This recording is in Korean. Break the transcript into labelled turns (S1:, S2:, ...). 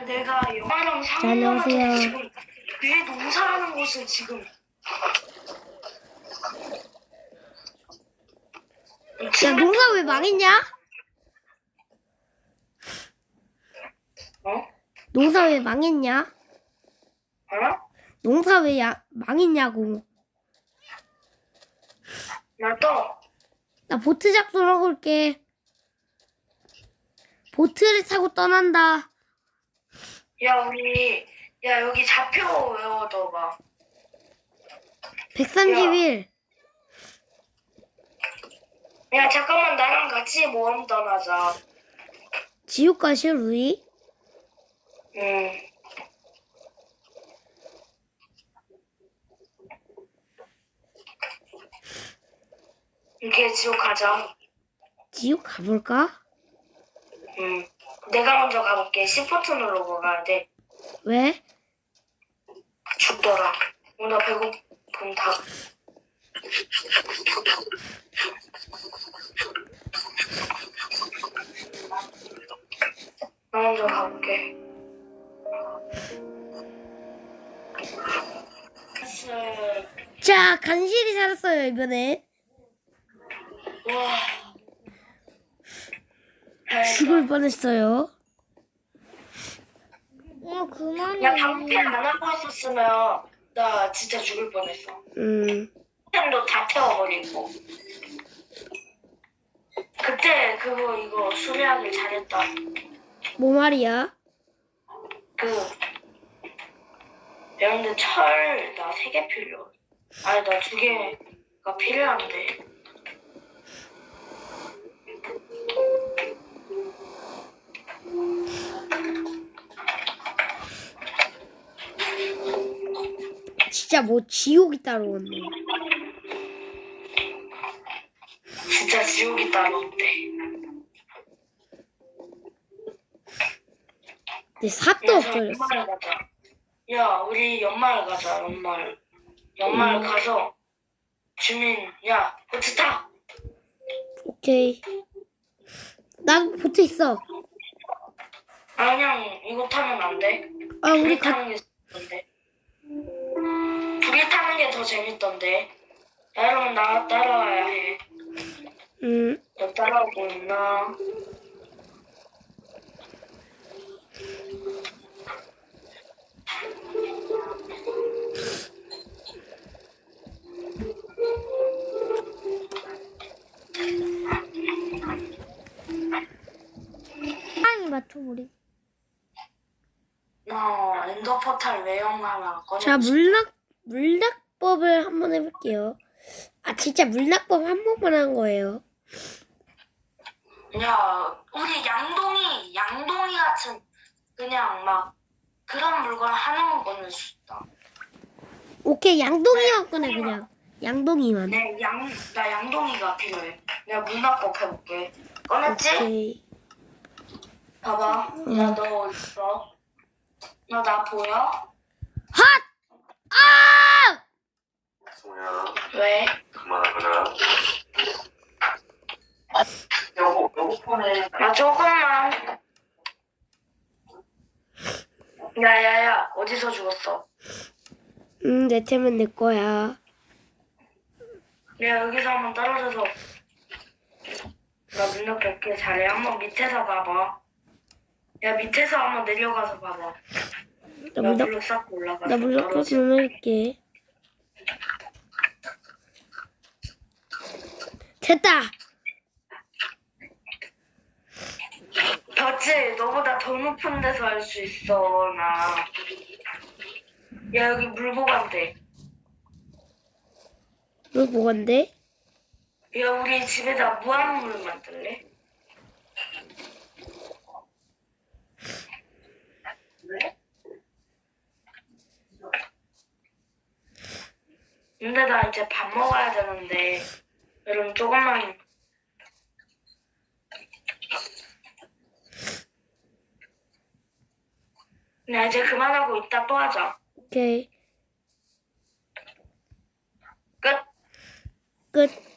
S1: 내가 영화랑
S2: 자,
S1: 상영하면서
S2: 안녕하세요.
S1: 지금 내 농사하는 곳을 지금
S2: 야, 농사 왜 망했냐?
S1: 어?
S2: 농사 왜 망했냐?
S1: 어?
S2: 농사 왜 망했냐고.
S1: 나 또
S2: 나 보트 작전하고 올게. 보트를 타고 떠난다.
S1: 야 여기 좌표 외워둬봐.
S2: 131.
S1: 야 잠깐만 나랑 같이 모험 떠나자.
S2: 지옥 가실 우리?
S1: 응. 이렇게 지옥 가자.
S2: 지옥 가볼까?
S1: 응. 내가 먼저 가볼게. 시프트 누르고 가야 돼.
S2: 왜?
S1: 죽더라. 나 배고픔 다. 나 먼저 가볼게.
S2: 자, 간신히 살았어요, 이번에.
S1: 와.
S2: 죽을 뻔했어요.
S3: 야, 그만해.
S1: 야, 방패 안 하고 있었으면 나 진짜 죽을 뻔했어. 템도 다 태워버리고. 그때 그거 이거 수리하길 잘했다.
S2: 뭐 말이야?
S1: 근데 철 나 3개 필요. 아니 나 2개가 필요한데.
S2: 진짜 뭐 지옥이 따로 왔네.
S1: 진짜 지옥이 따로 없대.
S2: 내 삽도 없어졌어.
S1: 연마을 가자. 야, 우리 연마을 가자. 연마을. 연마을 가서 주민, 야, 보트 타.
S2: 오케이. 난 보트 있어.
S1: 아, 그냥 이거 타면 안 돼?
S2: 아, 우리
S1: 둘이 타는 게 재밌던데. 둘이 타는 게 더 재밌던데. 야, 여러분 나 따라와야 해. 너 따라오고 있나?
S3: 빨리 맞춰버리.
S1: 엔더 포탈 외형 하나 꺼내.
S2: 자, 물낙법을 한번 해볼게요. 아, 진짜 물낙법 한 번만 한 거예요.
S1: 야, 우리 양동이 같은 그냥 막 그런 물건 하나만 꺼낼 수 있다.
S2: 오케이, 양동이만 꺼내, 그냥. 양동이만.
S1: 나 양동이가 필요해. 내가 문학법 해볼게. 꺼냈지?
S2: 오케이.
S1: 봐봐. 야, 너 어디 있어? 너 나 보여?
S2: 핫! 아!
S4: 승우야,
S1: 왜?
S4: 그만하거라. 여보 폰에.
S1: 야, 조금만. 야야야, 어디서 죽었어?
S2: 내 템은 내 거야.
S1: 야, 여기서 한번 떨어져서. 나 문학 뵙게 잘해. 한번 밑에서 봐봐. 야, 밑에서 한번 내려가서 봐봐.
S2: 나
S1: 나
S2: 물낙,
S1: 물로 쌓고 올라가.
S2: 나 물낙법 좀 해볼게. 됐다!
S1: 봤지? 너보다 더 높은 데서 할 수 있어, 나. 야, 여기 물 보관대.
S2: 물 뭐건데?
S1: 야, 우리 집에다 무한물 만들래? 근데 나 이제 밥 먹어야 되는데, 여러분 조금만. 나 이제 그만하고 이따 또 하자.
S2: 오케이.
S1: 끝.
S2: 끝.